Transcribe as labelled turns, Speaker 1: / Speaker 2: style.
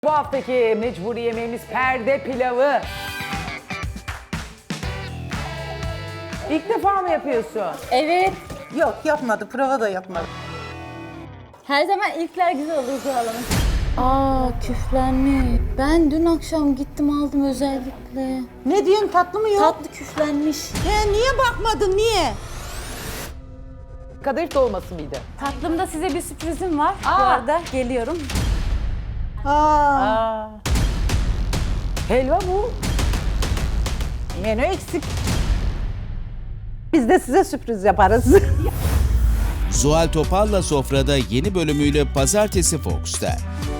Speaker 1: Bu haftaki mecburi yemeğimiz perde pilavı. İlk defa mı yapıyorsun?
Speaker 2: Evet.
Speaker 3: Yok yapmadı, prova da yapmadı.
Speaker 2: Her zaman ilkler güzel olur Zuhal Hanım. Aa, küflenmiş. Ben dün akşam gittim aldım özellikle.
Speaker 3: Ne diyorsun, tatlı mı yok?
Speaker 2: Tatlı küflenmiş.
Speaker 3: Niye bakmadın, niye?
Speaker 1: Kadayıf dolması mıydı?
Speaker 2: Tatlımda size bir sürprizim var. Bu arada geliyorum.
Speaker 3: Aa,
Speaker 1: Helva bu.
Speaker 3: menü eksik. Biz de size sürpriz yaparız.
Speaker 4: Zuhal Topal'la Sofra'da yeni bölümüyle Pazartesi Fox'ta.